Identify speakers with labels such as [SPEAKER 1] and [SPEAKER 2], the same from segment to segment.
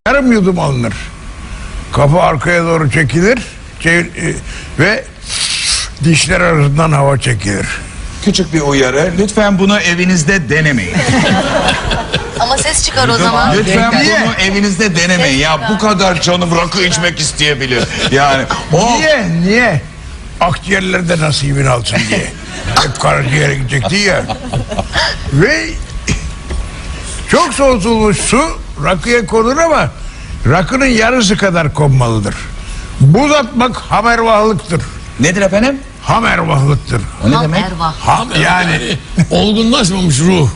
[SPEAKER 1] Yarım yudum alınır. Kafa arkaya doğru çekilir ve dişler arasından hava çekilir.
[SPEAKER 2] Küçük bir uyarı. Lütfen bunu evinizde denemeyin.
[SPEAKER 3] Ama ses çıkar o zaman.
[SPEAKER 2] Lütfen
[SPEAKER 1] Niye?
[SPEAKER 2] bunu evinizde denemeyin. Ya bu kadar canım rakı içmek isteyebilir. Yani o
[SPEAKER 1] Niye? Akciğerlerde nasibini alsın diye. Hep karaciğere gidecekti ya. Ve çok soğutulmuş su rakıya konur ama rakının yarısı kadar konmalıdır. Buz atmak hamervahlıktır.
[SPEAKER 2] nedir efendim?
[SPEAKER 1] Hamervahlıktır.
[SPEAKER 2] O ne demek?
[SPEAKER 3] Erva.
[SPEAKER 1] Yani
[SPEAKER 4] Olgunlaşmamış ruh.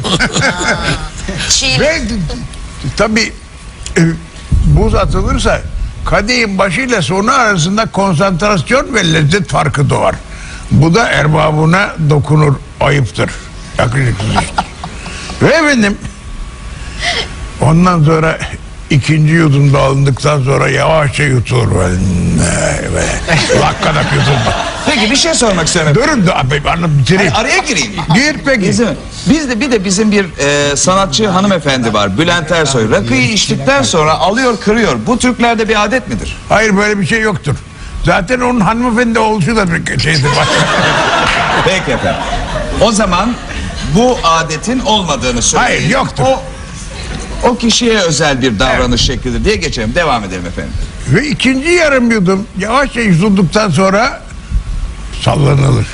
[SPEAKER 3] Çiğ.
[SPEAKER 1] ve tabii buz atılırsa kadehin başıyla sonu arasında konsantrasyon ve lezzet farkı doğar. Bu da erbabına dokunur, ayıptır. Yakışıksızdır. Ve efendim ondan sonra ikinci yudumda alındıktan sonra yavaşça yutulur. Lakkadak yutulma.
[SPEAKER 2] Peki bir şey sormak istiyorum.
[SPEAKER 1] Durun da abi bitireyim.
[SPEAKER 2] Araya gireyim.
[SPEAKER 1] Gir peki.
[SPEAKER 2] Bizim bir sanatçı hanımefendi var, Bülent Ersoy. Rakıyı içtikten sonra alıyor kırıyor. Bu Türklerde bir adet midir?
[SPEAKER 1] Hayır, böyle bir şey yoktur. Zaten onun hanımefendi oluşu da bir şeydir.
[SPEAKER 2] Peki efendim. O zaman bu adetin olmadığını söyleyin.
[SPEAKER 1] Hayır, yoktur.
[SPEAKER 2] O kişiye özel bir davranış şeklidir diye geçelim. Devam edelim efendim.
[SPEAKER 1] Ve ikinci yarım yudum yavaşça yutulduktan sonra sallanılır.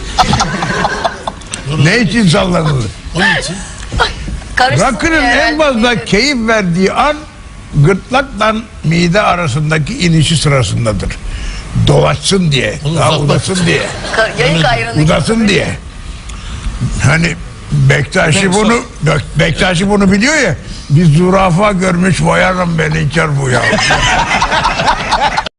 [SPEAKER 1] Ne için sallanılır?
[SPEAKER 4] Onun için
[SPEAKER 1] Rakının en fazla keyif verdiği an gırtlakla mide arasındaki inişi sırasındadır. Dolaşsın diye,
[SPEAKER 4] Onu
[SPEAKER 1] daha
[SPEAKER 4] uzatmak
[SPEAKER 1] udasın diye,
[SPEAKER 3] Yayık ayranı.
[SPEAKER 1] udasın diye. Hani Bektaşi bunu biliyor ya. Bir zürafa görmüş, vayarım beni içer bu ya.